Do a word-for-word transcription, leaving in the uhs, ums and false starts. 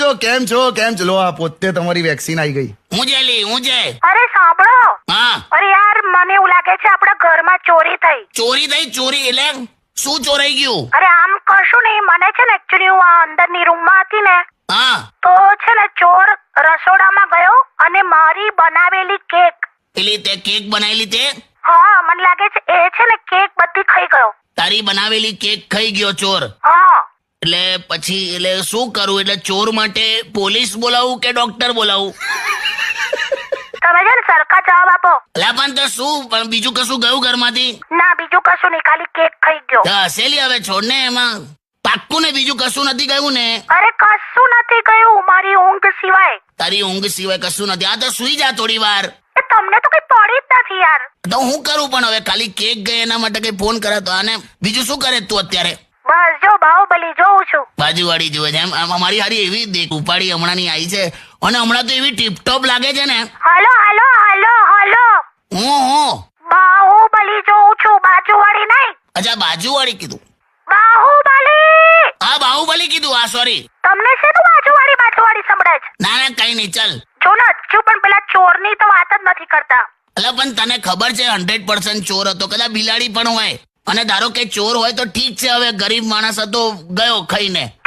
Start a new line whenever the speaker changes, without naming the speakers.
છો કેમ છો કેમ છો? લો આ પોતે તમારી વેક્સિન આવી ગઈ.
હું જે લી હું જે
અરે સાંભળો.
હા
અરે યાર મને એવું લાગે છે આપણા ઘરમાં ચોરી થઈ.
ચોરી થઈ? ચોરી એટલે શું ચોરાઈ ગયું?
અરે આમ કશું નહીં, મને છે ને એકચ્યુઅલી હું આ અંદરની રૂમમાં હતી ને
હા
તો છે ને ચોર રસોડામાં ગયો અને મારી બનાવેલી કેક,
એટલે તે કેક બનાવેલી તે
હા મને લાગે છે એ છે ને કેક બધી ખાઈ ગયો.
તારી બનાવેલી કેક ખાઈ ગયો ચોર?
હા
એટલે પછી એટલે શું કરું? એટલે ચોર માટે પોલીસ બોલાવું કે ડોક્ટર બોલાવું?
તમે છે ને સરખા જવાબ આપો.
અલા પણ તો શું, પણ બીજું કશું ગયું ઘરમાંથી?
ના બીજું કશું નહીં, ખાલી કેક ખાઈ ગયો.
તો હસેલી હવે છોડ ને, એમાં પાક્કું ને બીજું કશું નથી ગયું ને?
અરે કશું નથી ગયું મારી ઊંઘ સિવાય.
તારી ઊંઘ સિવાય કશું નથી? આ તો સુઈ જા થોડી વાર.
એ તમને તો કઈ પડી જ નથી યાર.
તો હું કરું? પણ હવે ખાલી કેક ગઈ એના માટે કઈ ફોન કરે તો આને બીજું શું કરે તું અત્યારે?
બસ જો બાહુબલી જોઉં છું.
બાજુવાળી જોવે છે એમ? અમારી હારી એવી દેખ ઉપાડી હમણાં ની આવી છે અને હમણાં તો એવી ટીપટોપ લાગે છે ને.
હાલો હાલો હાલો હાલો
હું હું
બાહુબલી જોઉં છું, બાજુવાળી નહીં.
અચ્છા બાજુવાળી કીધું?
બાહુબલી.
હા બાહુબલી કીધું. હા સોરી.
તમને શેનું બાજુવાળી બાજુવાળી સંભળાય છે?
ના ના કઈ નહીં, ચાલ.
જો ને હજુ પણ પેલા ચોરની તો વાત જ નથી કરતા.
એટલે પણ તને ખબર છે હંડ્રેડ પર્સન્ટ ચોર હતો? કદાચ બિલાડી પણ હોય અને ધારો કે ચોર હોય તો ઠીક છે, હવે ગરીબ માણસ હતો ગયો ખાઈને,